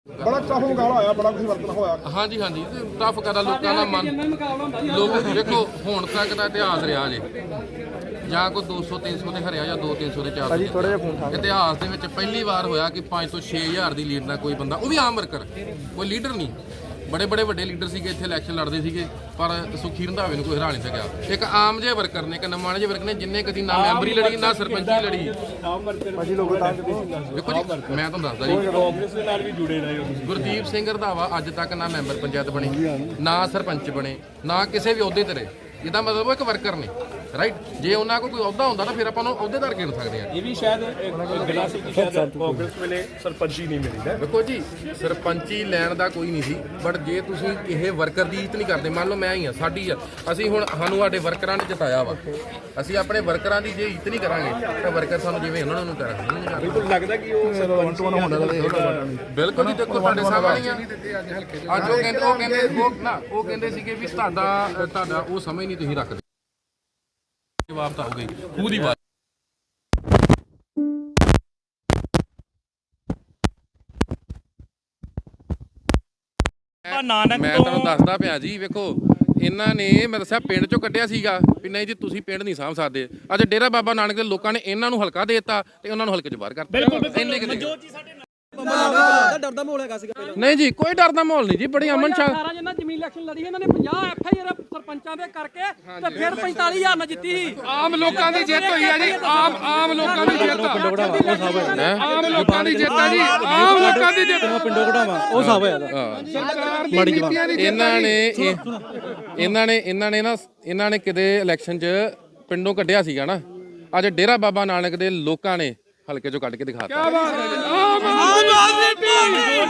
ਬੜਾ ਟਫ ਮੁਕਾਬਲਾ ਹੋਇਆ, ਬੜਾ ਕੁਝ ਵਰਤਣਾ ਹੋਇਆ। ਹਾਂਜੀ ਹਾਂਜੀ ਟਫ ਕਰਦਾ ਲੋਕਾਂ ਦਾ ਮਨ। ਲੋਕ ਵੇਖੋ ਹੁਣ ਤੱਕ ਦਾ ਇਤਿਹਾਸ ਰਿਹਾ ਜੇ, ਜਾਂ ਕੋਈ 200-300 ਤੇ ਹਰਿਆ ਜਾਂ 200-300 ਦੇ 400। ਇਤਿਹਾਸ ਦੇ ਵਿੱਚ ਪਹਿਲੀ ਵਾਰ ਹੋਇਆ ਕਿ 5 ਤੋਂ 6000 ਦੀ ਲੀਡ ਨਾਲ ਕੋਈ ਬੰਦਾ, ਉਹ ਵੀ ਆਮ ਵਰਕਰ, ਕੋਈ ਲੀਡਰ ਨਹੀਂ। ਬੜੇ ਵੱਡੇ ਲੀਡਰ ਸੀਗੇ ਇੱਥੇ ਇਲੈਕਸ਼ਨ ਲੜਦੇ ਸੀਗੇ, ਪਰ ਸੁਖੀ ਰੰਧਾਵੇ ਨੂੰ ਕੋਈ ਹਰਾ ਨਹੀਂ ਸਕਿਆ। ਇੱਕ ਆਮ ਜਿਹੇ ਵਰਕਰ ਨੇ, ਇੱਕ ਨਮਾਣੇ ਜਿਹੇ ਵਰਕਰ ਨੇ, ਜਿੰਨੇ ਕਦੀ ਨਾ ਮੈਂਬਰੀ ਲੜੀ ਨਾ ਸਰਪੰਚੀ ਲੜੀ। ਵੇਖੋ ਜੀ ਮੈਂ ਤੁਹਾਨੂੰ ਦੱਸਦਾ ਜੀ, ਕਾਂਗਰਸ ਦੇ ਨਾਲ ਵੀ ਜੁੜੇ ਰਹੇ ਹੋ ਤੁਸੀਂ। ਗੁਰਦੀਪ ਸਿੰਘ ਰੰਧਾਵਾ ਅੱਜ ਤੱਕ ਨਾ ਮੈਂਬਰ ਪੰਚਾਇਤ ਬਣੇ, ਨਾ ਸਰਪੰਚ ਬਣੇ, ਨਾ ਕਿਸੇ ਵੀ ਅਹੁਦੇ ਤੇ ਰਹੇ। ਇਹਦਾ ਮਤਲਬ ਉਹ ਇੱਕ ਵਰਕਰ ਨੇ, ਰਾਈਟ। ਜੇ ਉਹਨਾਂ ਕੋਲ ਕੋਈ ਅਹੁਦਾ ਹੁੰਦਾ ਤਾਂ ਫਿਰ ਆਪਾਂ ਨੂੰ ਅਹੁਦੇਦਾਰ ਗਿਣ ਸਕਦੇ ਹਾਂ। ਇਹ ਵੀ ਸ਼ਾਇਦ ਗੱਲਾਂ ਸੀ ਕਿ ਸ਼ਾਇਦ ਕਾਂਗਰਸ ਵੇਲੇ ਸਰਪੰਚੀ ਨਹੀਂ ਮਿਲੀ ਹੈ। ਦੇਖੋ ਜੀ ਸਰਪੰਚੀ ਲੈਣ ਦਾ ਕੋਈ ਨਹੀਂ ਸੀ, ਬਟ ਜੇ ਤੁਸੀਂ ਕਿਸੇ ਵਰਕਰ ਦੀ ਇੱਜ਼ਤ ਨਹੀਂ ਕਰਦੇ, ਮੰਨ ਲਓ ਮੈਂ ਹੀ ਆ, ਸਾਡੀ ਆ, ਅਸੀਂ ਹੁਣ ਸਾਨੂੰ ਸਾਡੇ ਵਰਕਰਾਂ ਨੇ ਜਿਤਾਇਆ ਵਾ, ਅਸੀਂ ਆਪਣੇ ਵਰਕਰਾਂ ਦੀ ਜੇ ਇੱਜ਼ਤ ਨਹੀਂ ਕਰਾਂਗੇ ਤਾਂ ਵਰਕਰ ਸਾਨੂੰ ਜਿਵੇਂ ਉਹਨਾਂ ਨੂੰ ਕਰਾਂਗੇ। ਬਿਲਕੁਲ ਲੱਗਦਾ ਕਿ ਉਹ ਸਰਪੰਚ ਬਿਲਕੁਲ ਜੀ, ਦੇਖੋ ਤੁਹਾਡੇ ਸਾਹਮਣੇ ਆ ਅੱਜ ਉਹ ਕਹਿੰਦੇ ਸੀਗੇ ਵੀ ਤੁਹਾਡਾ ਉਹ ਸਮਝ ਨਹੀਂ ਤੁਸੀਂ ਰੱਖਦੇ। ਜਵਾਬ ਤਾਂ ਹੋ ਗਈ ਖੂਹ ਦੀ ਬਾਤ। ਮੈਂ ਤੁਹਾਨੂੰ ਦੱਸਦਾ ਪਿਆ ਜੀ, ਵੇਖੋ ਇਹਨਾਂ ਨੇ, ਮੈਂ ਦੱਸਿਆ ਪਿੰਡ ਚੋਂ ਕੱਢਿਆ ਸੀਗਾ ਵੀ ਨਹੀਂ ਜੀ ਤੁਸੀਂ ਪਿੰਡ ਨਹੀਂ ਸਾਂਭ ਸਕਦੇ। ਅੱਜ ਡੇਰਾ ਬਾਬਾ ਨਾਨਕ ਦੇ ਲੋਕਾਂ ਨੇ ਇਹਨਾਂ ਨੂੰ ਹਲਕਾ ਦੇ ਦਿੱਤਾ ਤੇ ਉਹਨਾਂ ਨੂੰ ਹਲਕੇ 'ਚ ਬਾਹਰ ਕਰਤਾ। ਡਰਦਾ ਮਾਹੌਲ ਹੈਗਾ ਸੀਗਾ ਪਹਿਲਾਂ। ਨਹੀਂ ਜੀ ਕੋਈ ਡਰ ਦਾ ਮਾਹੌਲ ਨਹੀਂ ਜੀ, ਬੜੀ ਅਮਨ ਸ਼ਾਂਤ। ਸਾਰਾ ਜਿੰਨਾ ਜ਼ਮੀਨ ਇਲੈਕਸ਼ਨ ਲੜੀ ਇਹਨਾਂ ਨੇ 50 ਐਫਆਈਆਰ ਸਰਪੰਚਾਂ ਦੇ ਕਰਕੇ ਤੇ ਫਿਰ 45000 ਨਾਲ ਜਿੱਤੀ ਸੀ। ਆਮ ਲੋਕਾਂ ਦੀ ਜਿੱਤ ਹੋਈ ਹੈ ਜੀ, ਆਮ ਲੋਕਾਂ ਦੀ ਜਿੱਤ। ਆਮ ਲੋਕਾਂ ਦੀ ਜਿੱਤ ਹੈ ਜੀ, ਆਮ ਲੋਕਾਂ ਦੀ ਜਿੱਤ। ਪਿੰਡੋਂ ਕਢਾਵਾ ਉਹ ਸਾਬ ਹੋਇਆ ਇਹਨਾਂ ਨੇ ਕਿਤੇ ਇਲੈਕਸ਼ਨ 'ਚ ਪਿੰਡੋਂ ਕੱਢਿਆ ਸੀਗਾ ਨਾ, ਅੱਜ ਡੇਰਾ ਬਾਬਾ ਨਾਨਕ ਦੇ ਲੋਕਾਂ ਨੇ ਹਲਕੇ 'ਚੋਂ ਕੱਢ ਕੇ ਦਿਖਾਤਾ।